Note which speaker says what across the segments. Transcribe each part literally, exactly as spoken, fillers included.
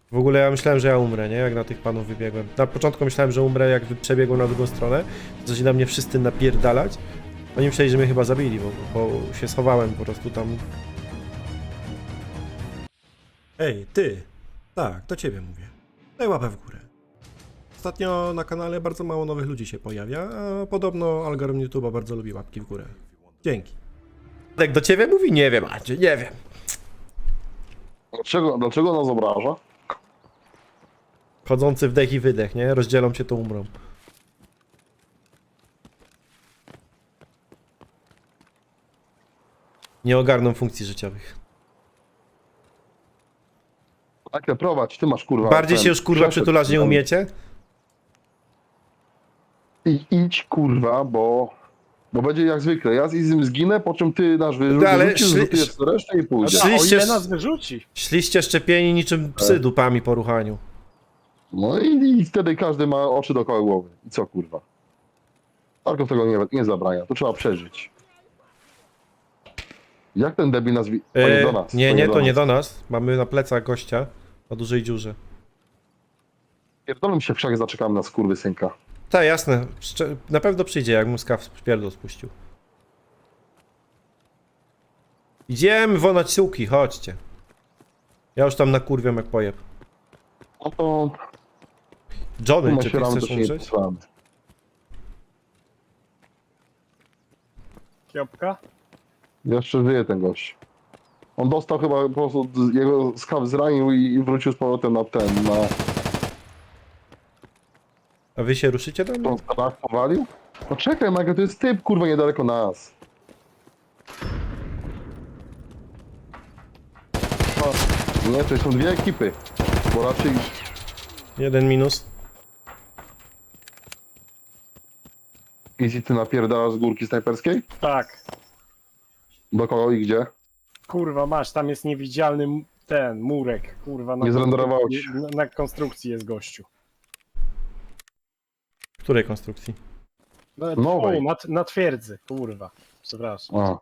Speaker 1: W ogóle ja myślałem, że ja umrę, nie? Jak na tych panów wybiegłem. Na początku myślałem, że umrę, jak przebiegłem na drugą stronę. Zaczęli na mnie wszyscy napierdalać. Oni myśleli, że mnie chyba zabili, bo, bo się schowałem po prostu tam. Ej, ty! Tak, do ciebie mówię. Daj łapę w górę. Ostatnio na kanale bardzo mało nowych ludzi się pojawia, a podobno algorytm YouTube'a bardzo lubi łapki w górę. Dzięki. Jak do ciebie mówi? Nie wiem, Andrzej, nie wiem.
Speaker 2: Dlaczego, dlaczego nas obraża?
Speaker 1: Chodzący wdech i wydech, nie? Rozdzielą się, to umrą. Nie ogarną funkcji życiowych.
Speaker 2: Tak, prowadź, ty masz kurwa.
Speaker 1: Bardziej
Speaker 2: ten
Speaker 1: się już kurwa
Speaker 2: przeszedł
Speaker 1: przytulać nie
Speaker 2: ten-
Speaker 1: umiecie?
Speaker 2: I, idź kurwa, bo... Bo będzie jak zwykle. Ja z Izym zginę, po czym ty nasz wy,
Speaker 1: No, ale
Speaker 2: wyrzucisz,
Speaker 1: szli-
Speaker 2: zlutujesz resztę i pójdziesz.
Speaker 1: szli-
Speaker 3: A o
Speaker 1: Szliście
Speaker 3: ile
Speaker 1: z-
Speaker 3: nas wyrzuci?
Speaker 1: Szliście szczepieni niczym psy dupami po ruchaniu.
Speaker 2: No i, i wtedy każdy ma oczy dookoła głowy. I co kurwa? Tarkov tego nie, nie zabrania, to trzeba przeżyć. Jak ten debil nazwi... To nie
Speaker 1: E,
Speaker 2: do nas.
Speaker 1: nie, nie, to nie
Speaker 2: nas.
Speaker 1: do nas. Mamy na plecach gościa o dużej dziurze.
Speaker 2: Pierdolę się w krzak, zaczekamy na skurwysynka.
Speaker 1: Tak, jasne. Szcze- Na pewno przyjdzie, jak mu skaw pierdol spuścił. Idziemy wonać siłki, chodźcie. Ja już tam nakurwiam jak pojeb.
Speaker 2: No to...
Speaker 1: Johnny, czy ty
Speaker 2: Masieramy, to
Speaker 1: chcesz
Speaker 2: się nie
Speaker 1: umrzeć?
Speaker 2: posramy.
Speaker 3: Kiopka?
Speaker 2: Jeszcze żyje ten gość. On dostał chyba po prostu, z- jego skaw zranił i, i wrócił z powrotem na ten, na...
Speaker 1: A wy się ruszycie do mnie?
Speaker 2: tą skawach powalił? No czekaj, Michael, to jest typ, kurwa, niedaleko nas. O, nie, to są dwie ekipy. Bo raczej...
Speaker 1: Jeden minus.
Speaker 2: Easy, ty napierdalasz z górki snajperskiej?
Speaker 3: Tak.
Speaker 2: Do kogo i gdzie?
Speaker 3: Kurwa, masz, tam jest niewidzialny m- ten murek. Kurwa, na,
Speaker 2: Nie zrenderowało
Speaker 3: konstrukcji-
Speaker 2: ci.
Speaker 3: na, na konstrukcji jest gościu.
Speaker 1: Której konstrukcji?
Speaker 3: No,
Speaker 2: Nowej.
Speaker 3: o, na, na twierdzy, kurwa. Przepraszam.
Speaker 2: A.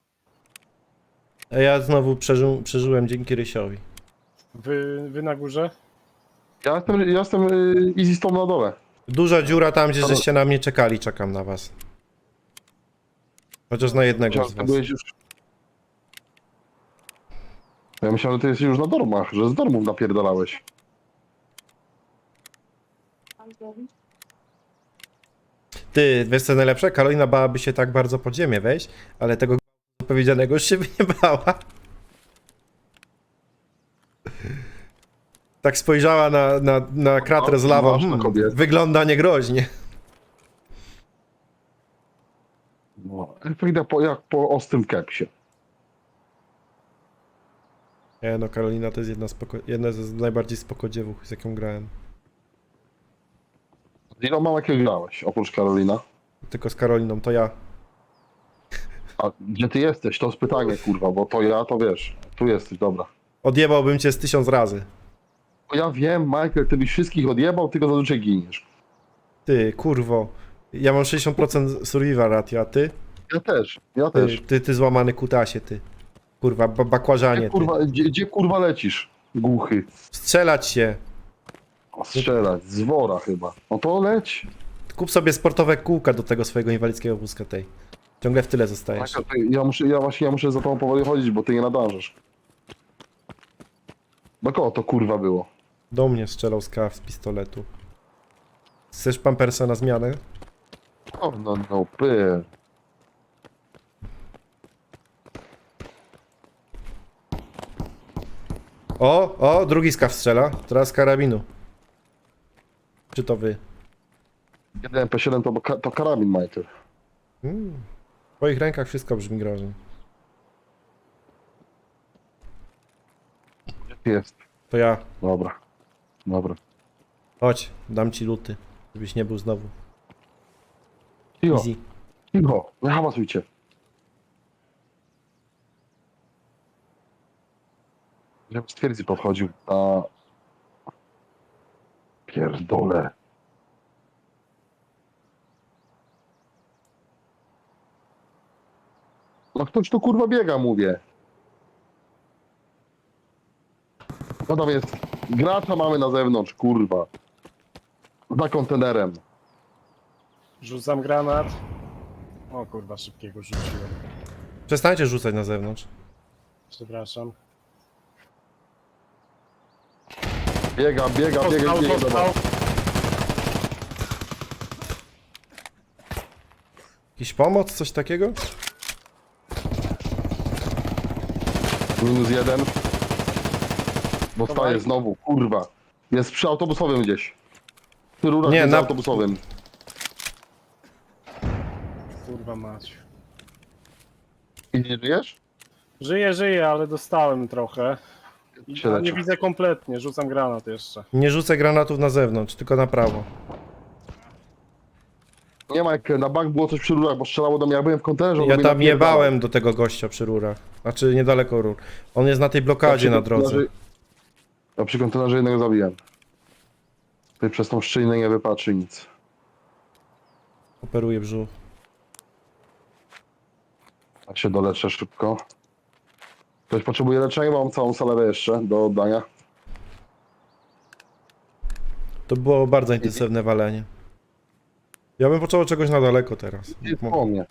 Speaker 1: A ja znowu przeżył, przeżyłem dzięki Rysiowi.
Speaker 3: Wy, wy na górze?
Speaker 2: Ja jestem, ja jestem y, Easy z tą na dole.
Speaker 1: Duża dziura tam, gdzie
Speaker 2: To-
Speaker 1: żeście na mnie czekali, czekam na was. Chociaż na jednego
Speaker 2: Myślałem,
Speaker 1: z
Speaker 2: że ty
Speaker 1: was.
Speaker 2: byłeś już... Ja myślałem, że ty jesteś już na dormach, że z dormów napierdalałeś.
Speaker 1: Ty, wiesz co najlepsze? Karolina bałaby się tak bardzo pod ziemię wejść, ale tego powiedzianego już się by nie bała. Tak spojrzała na, na, na krater z lawą.
Speaker 2: Ważna
Speaker 1: Hmm,
Speaker 2: kobieta.
Speaker 1: wygląda niegroźnie.
Speaker 2: No, efekt jak po, jak po ostrym kepsie.
Speaker 1: Nie no, Karolina to jest jedna, spoko, jedna z najbardziej spoko dziewuch, z jaką grałem.
Speaker 2: Z iloma jakie grałeś, oprócz Karolina?
Speaker 1: Tylko z Karoliną, to ja.
Speaker 2: A gdzie ty jesteś? To jest pytanie, kurwa, bo to ja, to wiesz. Tu jesteś, dobra.
Speaker 1: Odjebałbym cię z tysiąc razy.
Speaker 2: Bo ja wiem, Michael, ty byś wszystkich odjebał, tylko zazwyczaj giniesz.
Speaker 1: Ty, kurwo. Ja mam sześćdziesiąt procent survival ratio, a ty?
Speaker 2: Ja też, ja
Speaker 1: Ty,
Speaker 2: też.
Speaker 1: ty, ty złamany kutasie, ty. Kurwa, ba bakłażanie,
Speaker 2: Gdzie
Speaker 1: ty.
Speaker 2: kurwa, gdzie, gdzie kurwa lecisz? Głuchy.
Speaker 1: Strzelać się.
Speaker 2: A strzelać, z wora chyba. No to leć.
Speaker 1: Kup sobie sportowe kółka do tego swojego inwalidzkiego wózka tej. Ciągle w tyle zostajesz.
Speaker 2: Michael, ty, ja, muszę, ja właśnie ja muszę za tobą powoli chodzić, bo ty nie nadążysz. Do kogo to kurwa było?
Speaker 1: Do mnie strzelał skaw z pistoletu. Chcesz pampersa na zmianę?
Speaker 2: O, no, no, py.
Speaker 1: O, o, drugi skaw strzela. Teraz z karabinu. Czy to wy?
Speaker 2: jeden M P siedem to, to karabin, Michael.
Speaker 1: Hmm. W twoich rękach wszystko brzmi groźnie.
Speaker 2: Gdzie ty jest?
Speaker 1: To ja.
Speaker 2: Dobra. Dobra.
Speaker 1: Chodź, dam ci luty. Żebyś nie był znowu.
Speaker 2: Cicho,
Speaker 1: Easy.
Speaker 2: cicho, nie hałasujcie. Żebym z twierdzy podchodził, a... Pierdolę. No ktoś tu kurwa biega, mówię. No tam jest. Gracza mamy na zewnątrz, kurwa. Za kontenerem.
Speaker 3: Rzucam granat. O kurwa, szybkiego rzuciłem.
Speaker 1: Przestańcie rzucać na zewnątrz.
Speaker 3: Przepraszam.
Speaker 2: Biega, biega, biega,
Speaker 3: Dostał,
Speaker 2: biega.
Speaker 3: dostał.
Speaker 2: Dobra.
Speaker 1: Jakiś pomoc, coś takiego?
Speaker 2: Minus jeden. Dostaje
Speaker 3: Dawaj.
Speaker 2: znowu, kurwa. Jest przy autobusowym gdzieś. Przy rurach
Speaker 1: Nie,
Speaker 2: między
Speaker 1: na-
Speaker 2: autobusowym.
Speaker 3: Kurwa mać.
Speaker 2: I nie żyjesz?
Speaker 3: Żyję, żyję, ale dostałem trochę. I
Speaker 2: Się
Speaker 3: a
Speaker 2: leczę.
Speaker 3: nie widzę kompletnie, rzucam granat jeszcze.
Speaker 1: Nie rzucę granatów na zewnątrz, tylko na prawo.
Speaker 2: Nie ma jak na bank było coś przy rurach, bo strzelało do mnie. Ja byłem w kontenerze. on
Speaker 1: Ja
Speaker 2: do mnie
Speaker 1: tam
Speaker 2: napierdalał.
Speaker 1: jebałem do tego gościa przy rurach. Znaczy niedaleko rur. On jest na tej blokadzie na drodze.
Speaker 2: kontenerze- Ja przy kontenerze jednego zabiłem. Tutaj przez tą szczelinę nie wypatrzy nic.
Speaker 1: Operuje brzuch.
Speaker 2: Tak się doleczę szybko. Ktoś potrzebuje leczenia, bo mam całą salę jeszcze do oddania.
Speaker 1: To było bardzo intensywne walenie. Ja bym począł od czegoś na daleko teraz.
Speaker 2: Jest po mnie.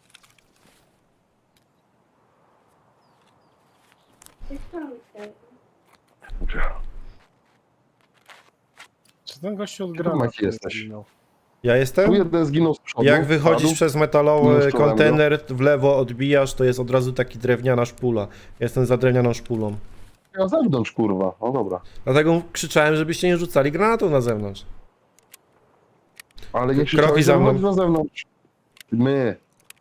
Speaker 3: Czy ten gościu od
Speaker 2: Ty,
Speaker 3: granatu
Speaker 2: Maki,
Speaker 3: nie
Speaker 2: jesteś.
Speaker 3: zginął?
Speaker 1: Ja
Speaker 2: Tu
Speaker 1: jestem?
Speaker 2: jeden zginął z przodu.
Speaker 1: Jak wychodzisz
Speaker 2: padł.
Speaker 1: przez metalowy
Speaker 2: Minus czołem,
Speaker 1: kontener, w lewo odbijasz, to jest od razu taki drewniana szpula. Jestem za drewnianą szpulą.
Speaker 2: Na zewnątrz, kurwa. No dobra.
Speaker 1: Dlatego krzyczałem, żebyście nie rzucali granatów na zewnątrz.
Speaker 2: Ale nie
Speaker 1: Kroki
Speaker 2: krzyczałeś,
Speaker 1: za
Speaker 2: że
Speaker 1: mną.
Speaker 2: wychodź na zewnątrz. My.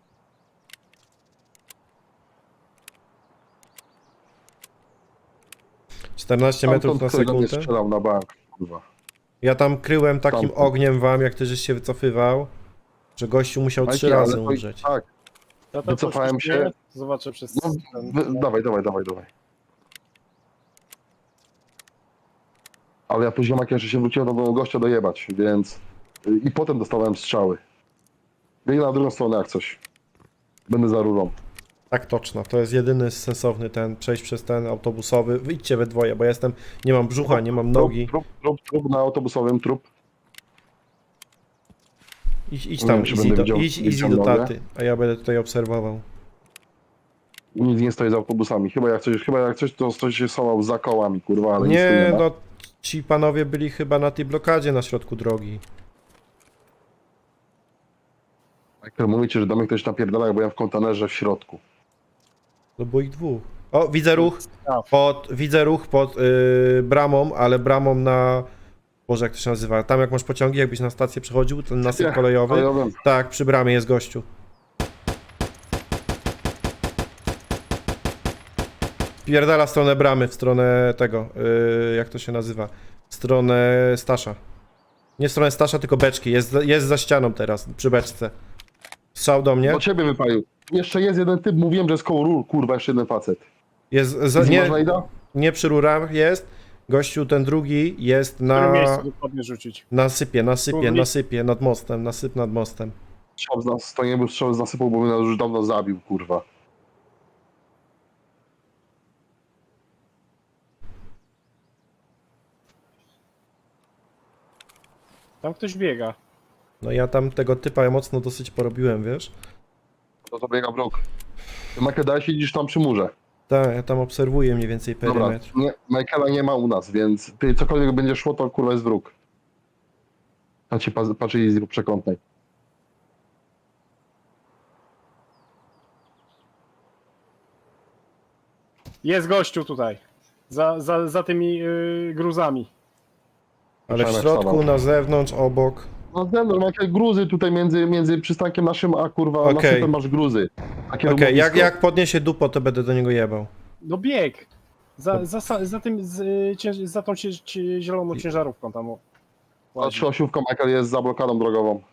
Speaker 1: czternaście metrów
Speaker 2: Stamtąd
Speaker 1: na
Speaker 2: ktoś do mnie
Speaker 1: sekundę.
Speaker 2: strzelał na bank, kurwa.
Speaker 1: Ja tam kryłem takim
Speaker 2: Stamtąd.
Speaker 1: ogniem wam, jak ty żeś się wycofywał, że gościu musiał trzy
Speaker 2: Majki, ale
Speaker 1: razy
Speaker 2: to-
Speaker 1: umrzeć.
Speaker 2: Tak.
Speaker 3: Ja tam
Speaker 2: Wycofałem
Speaker 3: poszliśmy,
Speaker 2: się.
Speaker 3: Zobaczę przez
Speaker 2: No,
Speaker 3: ten...
Speaker 2: wy, dawaj, dawaj, dawaj, dawaj. Ale ja później jak jeszcze się wróciłem, to było gościa dojebać, więc... I potem dostałem strzały. Biegnę na drugą stronę jak coś. Będę za rurą.
Speaker 1: Tak toczno, to jest jedyny sensowny ten, przejść przez ten autobusowy. Wyjdźcie we dwoje, bo ja jestem, nie mam brzucha, nie mam nogi.
Speaker 2: Trup, trup, trup na autobusowym, trup.
Speaker 1: Idź, idź
Speaker 2: Nie
Speaker 1: tam,
Speaker 2: wiem, czy
Speaker 1: easy
Speaker 2: będę
Speaker 1: do,
Speaker 2: widział-
Speaker 1: idź
Speaker 2: widział
Speaker 1: easy do
Speaker 2: nogę.
Speaker 1: taty, a ja będę tutaj obserwował.
Speaker 2: Nic nie stoi za autobusami. Chyba jak coś, chyba jak coś to ktoś się schował za kołami, kurwa, ale nic tu
Speaker 1: Nie,
Speaker 2: nie ma.
Speaker 1: no ci panowie byli chyba na tej blokadzie na środku drogi.
Speaker 2: Jak mówicie, że do mnie ktoś napierdala, bo ja w kontenerze w środku.
Speaker 1: To było ich dwóch. O, widzę ruch,
Speaker 3: A,
Speaker 1: pod, widzę ruch pod yy, bramą, ale bramą na... Boże, jak to się nazywa? Tam jak masz pociągi, jakbyś na stację przychodził, ten nasyp
Speaker 2: Nie,
Speaker 1: kolejowy.
Speaker 2: ale ja wiem.
Speaker 1: Tak, przy bramie jest gościu. Pierdala w stronę bramy, w stronę tego, yy, jak to się nazywa? W stronę Stasza. Nie w stronę Stasza, tylko beczki. Jest, za- jest za ścianą teraz, przy beczce. Strzał do mnie.
Speaker 2: Do ciebie wypalił. Jeszcze jest jeden typ, mówiłem, że jest koło rur, kurwa, jeszcze jeden facet.
Speaker 1: Jest za,
Speaker 2: Nie,
Speaker 1: nie,
Speaker 2: można ida?
Speaker 1: nie przy rurach jest. Gościu ten drugi jest
Speaker 3: w którym
Speaker 1: na...
Speaker 3: miejscu dokładnie rzucić?
Speaker 1: Na sypie, na sypie,
Speaker 3: Kurwi.
Speaker 1: na sypie, nad mostem, nasyp nad mostem.
Speaker 2: Strzał z nas, to nie był strzał z nasypu, bo mnie już dawno zabił, kurwa.
Speaker 3: Tam ktoś biega.
Speaker 1: No ja tam tego typa mocno dosyć porobiłem, wiesz?
Speaker 2: To to biega wróg. Ty, Michael, daj siedzisz tam przy murze.
Speaker 1: Tak, ja tam obserwuję mniej więcej
Speaker 2: Dobra,
Speaker 1: perymetr.
Speaker 2: nie, Michaela nie ma u nas, więc ty cokolwiek będzie szło, to kurwa jest wróg. A ci pa- patrzyli z rób przekątnej.
Speaker 3: Jest gościu tutaj. Za, za, za tymi yy, gruzami.
Speaker 1: Ale w
Speaker 2: Przemek
Speaker 1: środku,
Speaker 2: wstawał.
Speaker 1: na zewnątrz, obok.
Speaker 2: No zewnątrz, Michael, gruzy tutaj między, między przystankiem naszym, a kurwa
Speaker 1: Okej.
Speaker 2: nasypem masz gruzy. Takie
Speaker 1: Okej, jak,
Speaker 2: rumowisko.
Speaker 1: jak podniesie dupo, to będę do niego jebał.
Speaker 3: No bieg! Za, za, sa- za tym, z, y, cięż, za tą cie, cie, zieloną ciężarówką tam. o,
Speaker 2: Ta
Speaker 3: łazi.
Speaker 2: trzyosiówka, Michael, jest za blokadą drogową.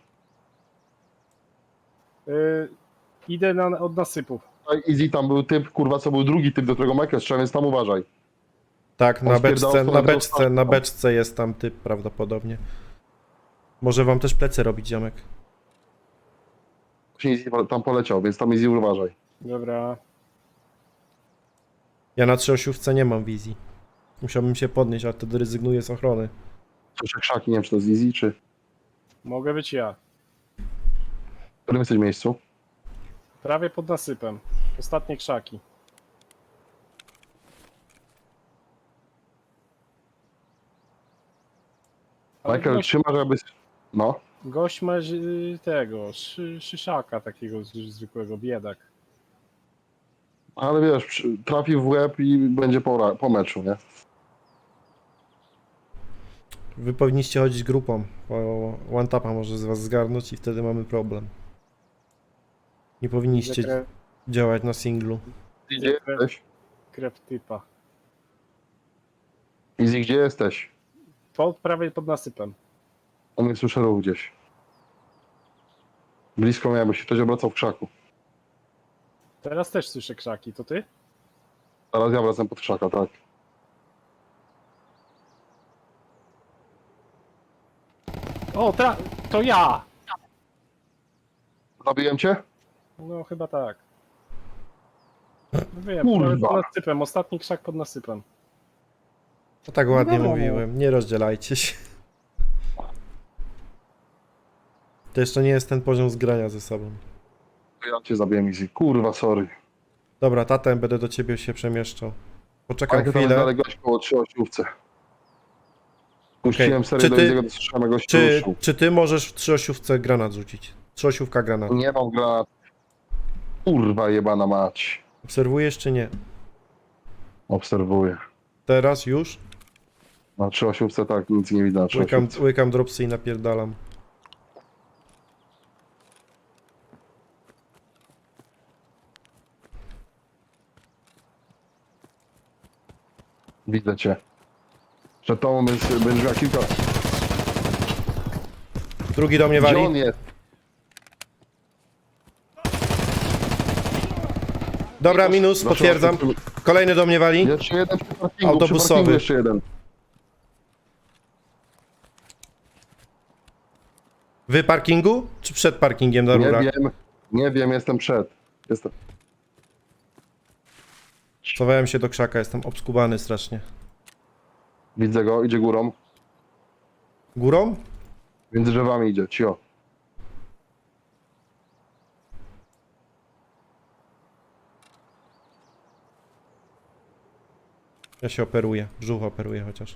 Speaker 3: Y, idę na, od nasypu.
Speaker 2: Tutaj Easy tam był typ, kurwa, co był drugi typ, do którego Michael strzela, więc tam uważaj.
Speaker 1: Tak,
Speaker 2: On
Speaker 1: na
Speaker 2: spierdalał
Speaker 1: beczce,
Speaker 2: w
Speaker 1: na
Speaker 2: stronę
Speaker 1: beczce,
Speaker 2: tego
Speaker 1: na
Speaker 2: statku.
Speaker 1: beczce jest tam typ prawdopodobnie. Może wam też plecy robić, ziomek.
Speaker 2: Właśnie Easy tam poleciał, więc tam Easy uważaj.
Speaker 3: Dobra.
Speaker 1: Ja na trzyosiówce nie mam wizji. Musiałbym się podnieść, ale wtedy rezygnuję z ochrony.
Speaker 2: Słyszę krzaki, nie wiem czy to jest easy, czy...
Speaker 3: Mogę być ja.
Speaker 2: W którym jesteś miejscu?
Speaker 3: Prawie pod nasypem. Ostatnie krzaki. Ale
Speaker 2: Michael,
Speaker 3: gość,
Speaker 2: trzymasz, żeby... No.
Speaker 3: gość ma y, tego, szy, szyszaka takiego z- zwykłego, biedak.
Speaker 2: Ale wiesz, przy- trafi w łeb i będzie po, ra- po meczu, nie?
Speaker 1: Wy powinniście chodzić grupą, bo one tapa może z was zgarnąć i wtedy mamy problem. Nie powinniście
Speaker 3: Krew,
Speaker 1: działać na singlu.
Speaker 2: Gdzie jesteś?
Speaker 3: krew typa.
Speaker 2: Easy, gdzie jesteś?
Speaker 3: Pod, prawie pod nasypem.
Speaker 2: On nie słyszę ruch gdzieś. Blisko miałem, bo się ktoś obracał w krzaku.
Speaker 3: Teraz też słyszę krzaki, to ty?
Speaker 2: Teraz ja wracam pod krzaka, tak.
Speaker 3: O, tra- to ja!
Speaker 2: Zabiłem cię?
Speaker 3: No chyba tak. Wiem,
Speaker 2: Kurwa.
Speaker 3: prawie pod nasypem, ostatni krzak pod nasypem.
Speaker 1: To tak ładnie
Speaker 3: No.
Speaker 1: mówiłem, nie rozdzielajcie się. To jeszcze nie jest ten poziom zgrania ze sobą.
Speaker 2: Ja cię zabiłem, Easy. Kurwa, sorry.
Speaker 1: Dobra, tatem, będę do ciebie się przemieszczał. Poczekam
Speaker 2: Ale tam jest
Speaker 1: chwilę.
Speaker 2: dalej gość koło trzy osiówce. Puściłem
Speaker 1: Okej.
Speaker 2: serię
Speaker 1: Czy
Speaker 2: do
Speaker 1: ty-
Speaker 2: Easy'ego, to słyszałem gość
Speaker 1: Czy,
Speaker 2: ruszył.
Speaker 1: czy ty możesz w trzyosiówce granat rzucić? Trzyosiówka granat.
Speaker 2: Nie mam granat. Kurwa jebana mać.
Speaker 1: Obserwujesz czy nie?
Speaker 2: Obserwuję.
Speaker 1: Teraz już?
Speaker 2: Na trzy osiówce tak, nic nie widzę na trzy
Speaker 1: Łykam,
Speaker 2: osiówce.
Speaker 1: łykam dropsy i napierdalam.
Speaker 2: Widzę cię. Przed tobą jest, będziesz miał kilka...
Speaker 1: Drugi do mnie
Speaker 2: Gdzie on
Speaker 1: wali.
Speaker 2: jest?
Speaker 1: Dobra, minus,
Speaker 2: Zaczął-
Speaker 1: potwierdzam. Kolejny do mnie wali.
Speaker 2: Jeszcze jeden przy parkingu,
Speaker 1: Autobusowy.
Speaker 2: przy parkingu jeszcze jeden.
Speaker 1: Wy parkingu? Czy przed parkingiem na
Speaker 2: Nie
Speaker 1: rurach?
Speaker 2: wiem, nie wiem, jestem przed. Jestem...
Speaker 1: Schowałem się do krzaka, jestem obskubany strasznie.
Speaker 2: Widzę go, idzie górą.
Speaker 1: Górą?
Speaker 2: Między drzewami idzie, cio.
Speaker 1: Ja się operuję, brzuch operuję chociaż.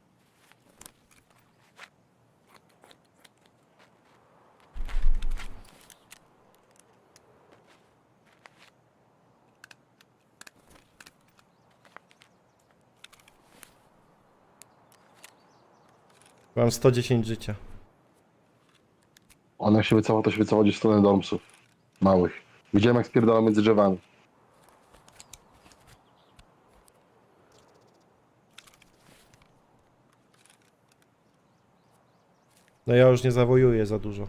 Speaker 1: Mam sto dziesięć życia.
Speaker 2: On jak się wycofał, to się wycofał gdzieś w stronę domsów. Małych. Widziałem jak spierdala między drzewami.
Speaker 1: No ja już nie zawojuję za dużo.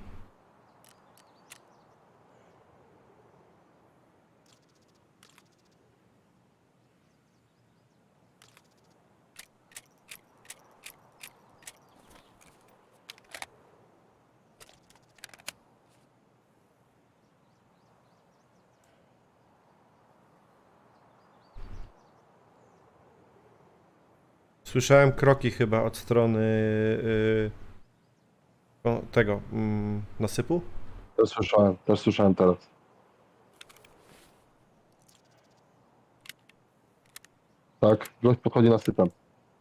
Speaker 1: Słyszałem kroki chyba od strony yy, o, tego mm, nasypu.
Speaker 2: Też słyszałem, też słyszałem teraz. Tak, gość podchodzi nasypem.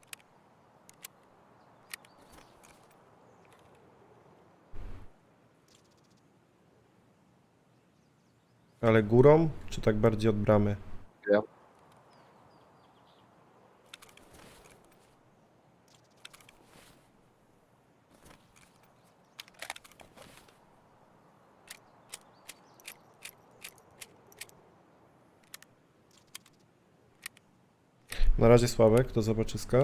Speaker 1: Ale górą, czy tak bardziej od bramy?
Speaker 2: Nie.
Speaker 1: Na razie Sławek, do zobaczyska.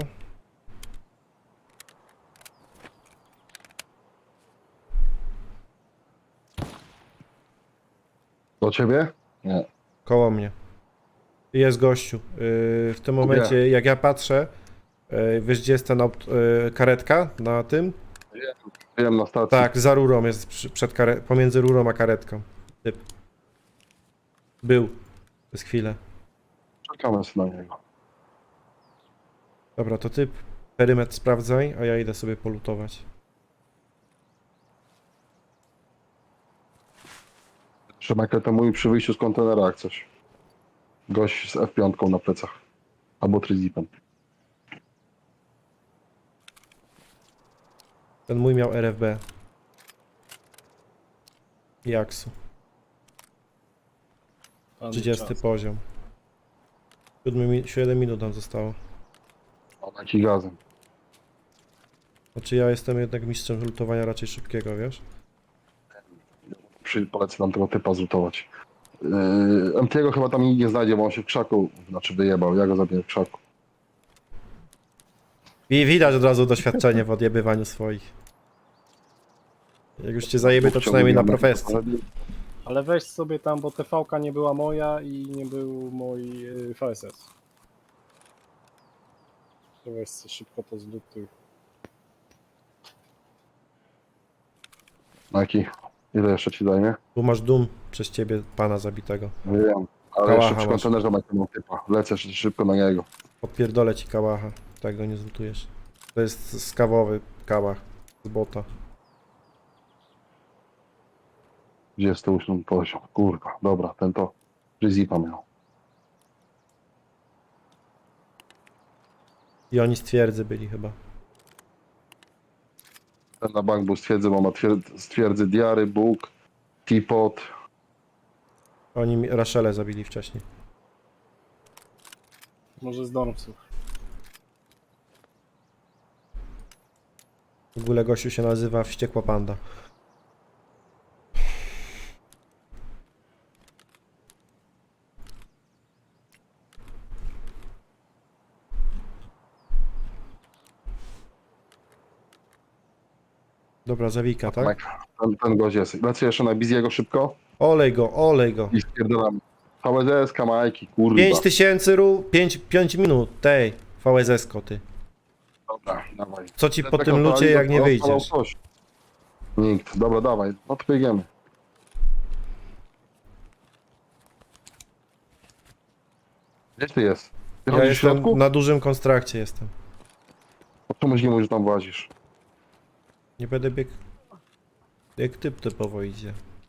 Speaker 2: Do ciebie? Nie.
Speaker 1: Koło mnie. Jest gościu. Yy, w tym momencie, jak ja patrzę, yy, wiesz gdzie jest ten aut- yy, karetka na tym?
Speaker 2: Wiem na stacji.
Speaker 1: Tak, za rurą jest przy, przed kare- pomiędzy rurą a karetką. Typ. Był. Przez chwilę.
Speaker 2: Czekamy sobie na niego.
Speaker 1: Dobra, to ty perymetr sprawdzaj, a ja idę sobie polutować.
Speaker 2: Że Michael to mówi przy wyjściu z kontenera jak coś. Gość z F pięć na plecach. Albo trizipem.
Speaker 1: Ten mój miał R F B. I Aksu.
Speaker 3: Pan
Speaker 1: trzydziesty
Speaker 3: czas.
Speaker 1: poziom. siedem minut nam zostało.
Speaker 2: On jaki gazem.
Speaker 1: Znaczy ja jestem jednak mistrzem lutowania raczej szybkiego, wiesz?
Speaker 2: Przy, polecę tam tego typa zlutować. Yy, M T go chyba tam nikt nie znajdzie, bo on się w krzaku, znaczy wyjebał. Ja go zabiję w krzaku.
Speaker 1: I widać od razu doświadczenie w odjebywaniu swoich. Jak już cię zajebie, to przynajmniej na profesji.
Speaker 3: Ale weź sobie tam, bo T V-ka nie była moja i nie był mój y, V S S. To weź sobie szybko to zlutuj.
Speaker 2: Maki, ile jeszcze ci zajmie?
Speaker 1: Tu masz dum przez ciebie pana zabitego.
Speaker 2: Wiem. Ale
Speaker 1: Kałacha
Speaker 2: jeszcze przy
Speaker 1: masz.
Speaker 2: kontenerze Michael mam typa. Lecę szy- szybko na niego.
Speaker 1: Odpierdolę ci kałacha. Tak go nie zlutujesz. To jest skawowy kałach z bota.
Speaker 2: Gdzie jest to ósmy poziom? Kurwa, dobra, ten to Rizipa miał.
Speaker 1: I oni z twierdzy byli chyba.
Speaker 2: Ten na bank był stwierdzy, bo ma twierd- stwierdzy Diary, Bóg, Teapot.
Speaker 1: Oni mi- Rachelę zabili wcześniej.
Speaker 3: Może z Dormsów.
Speaker 1: W ogóle gościu się nazywa Wściekła Panda. Dobra, zawika, tak?
Speaker 2: Mike, ten, ten gość jest. Lecę jeszcze na Biziego szybko
Speaker 1: Olej go, olej go.
Speaker 2: i spierdolamy. V S S, Majki, kurwa.
Speaker 1: pięć tysięcy ru, pięć, pięć minut, tej, V S S koty.
Speaker 2: Dobra, dawaj.
Speaker 1: Co ci po
Speaker 2: Taka
Speaker 1: tym lucie, jak nie
Speaker 2: odpalał
Speaker 1: wyjdziesz?
Speaker 2: coś. Nikt. Dobra, dawaj. No to biegniemy. Gdzie ty jest? Ty
Speaker 1: Ja
Speaker 2: chodzisz w
Speaker 1: jestem
Speaker 2: środku?
Speaker 1: na dużym konstrakcie jestem.
Speaker 2: Po czemu nie mówisz, że tam włazisz?
Speaker 1: Nie będę biegł. Jak typ typowo idzie.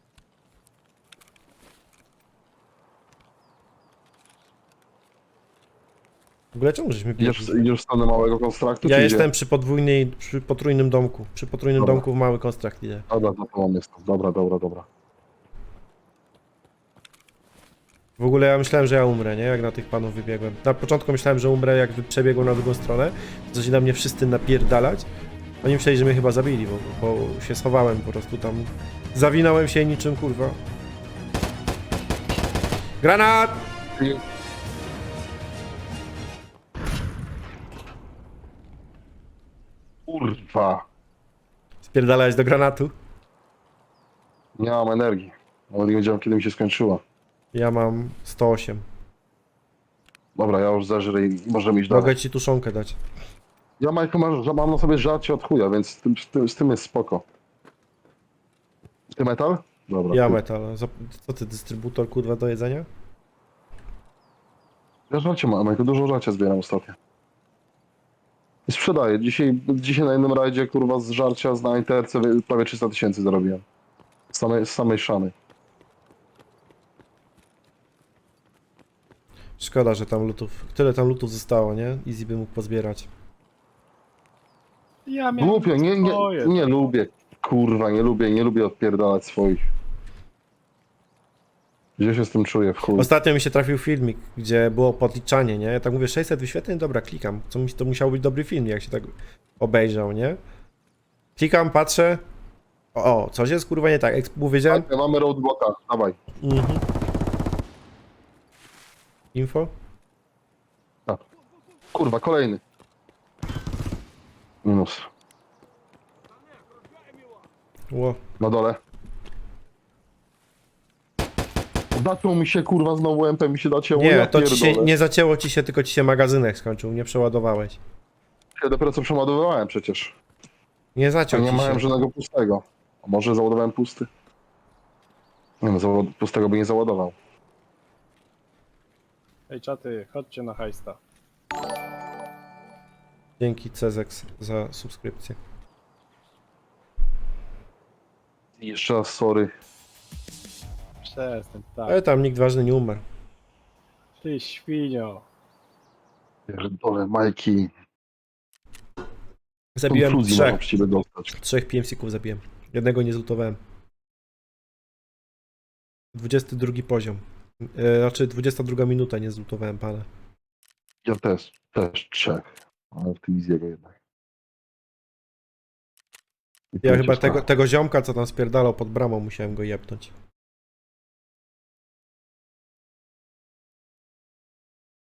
Speaker 1: W ogóle czemu żeśmy
Speaker 2: Idziesz,
Speaker 1: biegli?
Speaker 2: idziesz w stronę małego konstraktu?
Speaker 1: Ja
Speaker 2: czy
Speaker 1: jestem
Speaker 2: Gdzie?
Speaker 1: przy podwójnej, przy potrójnym domku. Przy potrójnym
Speaker 2: Dobra.
Speaker 1: domku w mały konstrakt idzie.
Speaker 2: Dobra, za tobą jestem. Dobra, dobra, dobra.
Speaker 1: W ogóle ja myślałem, że ja umrę, nie? Jak na tych panów wybiegłem. Na początku myślałem, że umrę, jak wy- przebiegłem na drugą stronę. Zaczęli na mnie wszyscy napierdalać. Oni myśleli, że mnie chyba zabili, bo, bo się schowałem po prostu tam. Zawinąłem się niczym, kurwa. Granat!
Speaker 2: I- Kurwa.
Speaker 1: Spierdalałeś do granatu.
Speaker 2: Nie mam energii. Nawet nie wiedziałem, kiedy mi się skończyła.
Speaker 1: Ja mam sto osiem.
Speaker 2: Dobra, ja już zeżrę i możemy iść dalej.
Speaker 1: Mogę ci tuszonkę dać.
Speaker 2: Ja, Majku, mam, mam na sobie żarcie od chuja, więc z tym, z tym, z tym jest spoko. Ty metal? Dobra.
Speaker 1: Ja
Speaker 2: ty-
Speaker 1: metal. Zap- Co ty, dystrybutor kurwa do jedzenia?
Speaker 2: Ja żarcie mam, Majku, dużo żarcia zbieram ostatnio. I sprzedaję. Dzisiaj, dzisiaj na jednym rajdzie, kurwa, z żarcia z na Interce wy- prawie trzysta tysięcy zarobiłem. Z samej, z samej szany.
Speaker 1: Szkoda, że tam lutów. Tyle tam lutów zostało, nie? Easy by mógł pozbierać.
Speaker 3: Ja miałem
Speaker 2: Głupio, nie, nie,
Speaker 3: swoje.
Speaker 2: nie lubię. Kurwa, nie lubię, nie lubię odpierdalać swoich. Gdzie się z tym czuję, w chuj.
Speaker 1: Ostatnio mi się trafił filmik, gdzie było podliczanie, nie? Ja tak mówię, sześćset wyświetleń, dobra, klikam. Co mi to musiał być dobry film, jak się tak obejrzał, nie? Klikam, patrzę. O, o coś jest kurwa nie tak. Jak powiedziałem.
Speaker 2: Tak, mamy roadblocka, dawaj.
Speaker 1: Mhm. Info?
Speaker 2: Kurwa, kolejny. Minus.
Speaker 1: Ło.
Speaker 2: Na dole. Zaczął mi się, kurwa, znowu M P mi się zacięło.
Speaker 1: Nie,
Speaker 2: ja
Speaker 1: to ci się
Speaker 2: pierdolę.
Speaker 1: nie zacięło ci się, tylko ci się magazynek skończył, nie przeładowałeś.
Speaker 2: Ja dopiero co przeładowywałem przecież.
Speaker 1: Nie
Speaker 2: Ja
Speaker 1: zaciął
Speaker 2: nie
Speaker 1: ci
Speaker 2: miałem
Speaker 1: się.
Speaker 2: żadnego pustego. A może załadowałem pusty? Nie no, załad- pustego by nie załadował.
Speaker 3: Ej, czaty, chodźcie na hajsta.
Speaker 1: Dzięki Cezex za subskrypcję.
Speaker 2: I jeszcze raz sorry.
Speaker 3: Przestań,
Speaker 1: Ale
Speaker 3: tak.
Speaker 1: tam nikt ważny nie umarł.
Speaker 3: Ty świnio.
Speaker 2: Pierdolę, Majki.
Speaker 1: Zabiłem
Speaker 2: Konfuzji
Speaker 1: trzech.
Speaker 2: można w ciebie dostać.
Speaker 1: Trzech P M C-ków zabiłem. Jednego nie zlutowałem. dwudziesty drugi poziom. E, znaczy dwudziesta druga minuta nie zlutowałem pana.
Speaker 2: Ja też, też trzech. Ale w tym Easy'ego jednak. I
Speaker 1: Ja
Speaker 2: to
Speaker 1: chyba
Speaker 2: cię
Speaker 1: tego,
Speaker 2: sprawa.
Speaker 1: tego ziomka, co tam spierdalał pod bramą, musiałem go jebnąć.